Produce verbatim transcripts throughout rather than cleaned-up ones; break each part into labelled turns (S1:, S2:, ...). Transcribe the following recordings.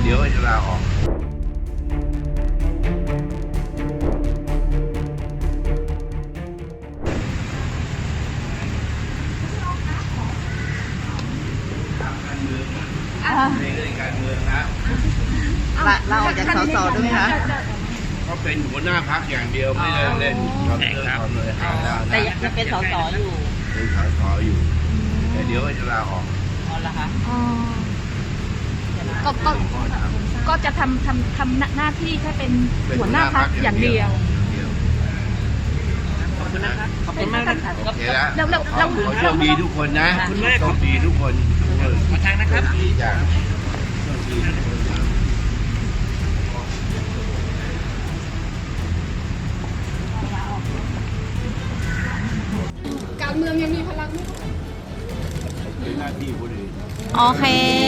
S1: ดี๋ยวจะลาออกในเรื่องการเมืองนะ
S2: เราออกจากสสด้วยไหมคะ
S1: ก็เป็นหัวหน้าพรรคอย่างเดียวไม่ได้เล่นความเรื่องความเลยหาแล้วนะ
S2: แต่ยังเป็นสสอยู่
S1: เป็นสสอยู่แต่เดี๋ยวจะลาออก
S2: อ๋อเหรอคะ
S3: ก็ก็ก็จะทำทำทำหน้าที่แค่เป็นหัวหน้าพรรคอย่างเดียว
S2: ขอบคุณนะคะขอบคุณมากนะคะ
S1: โอเคแล้ว
S3: แล้วแล้ว
S1: ขอโชคดีทุกคนนะโชคดีทุกคนขอทางนะครับดีจ้ะโชคดีทุกคนนะ
S3: การเมืองยังมีพลัง
S1: เป็นหน้าที่คนอื่น
S4: โอเค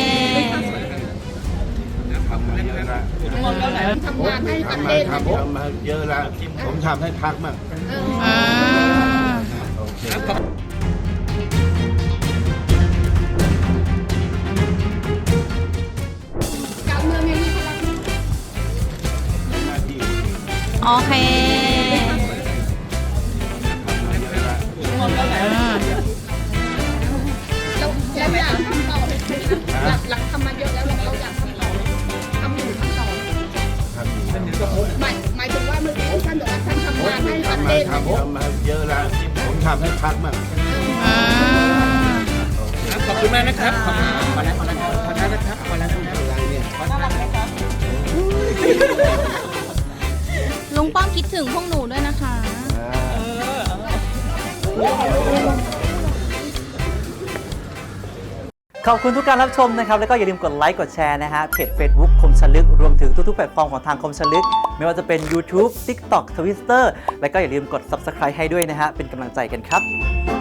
S1: ทำมาเยอะแล้ว
S3: ทำงานให้ประ
S1: ทำ
S3: เท
S1: มา
S3: ศ
S1: ทำทำมาเยอะแล้วผมทำให้พรรคมั่ง
S4: อืม
S1: โอเค
S3: การเมืองยังมีพลัง
S1: เป็นหน้าที่คนอื่น
S4: โอเค
S1: ทำมาเยอะแล้ว
S4: อืม
S3: เราเราอยากทำต่อเลยหลักหลักทำมาเยอะแล้วเราเราอยากทำต่อทำอยู่ทำต่อ
S1: ทำอยู่ทำต่อ
S3: หมายหมายถึงว่าเมื่อกี้ท่านบอกว่าท่านทำงานให้ประ
S1: ทำ
S3: เท
S1: มา
S3: ศ
S1: ทำทำมาเยอะแล้วผมทำให้พรรคมั่ง
S4: อืม
S1: โอเค
S5: ขอบคุณมากนะครับขอบคุณขอแล้วขอแล้วขอแล้วนะครับขอแล้วนะครับ
S1: อะไรเนี่ย
S4: ลุงป้อมคิดถึงพวกหนูด้วยนะคะ
S5: ขอบคุณทุกการรับชมนะครับแล้วก็อย่าลืมกดไลค์กดแชร์นะฮะเพจ Facebook คมชลึกรวมถึงทุกๆแพลตฟอร์มของทางคมชลึกไม่ว่าจะเป็น YouTube TikTok Twitter แล้วก็อย่าลืมกด Subscribe ให้ด้วยนะฮะเป็นกำลังใจกันครับ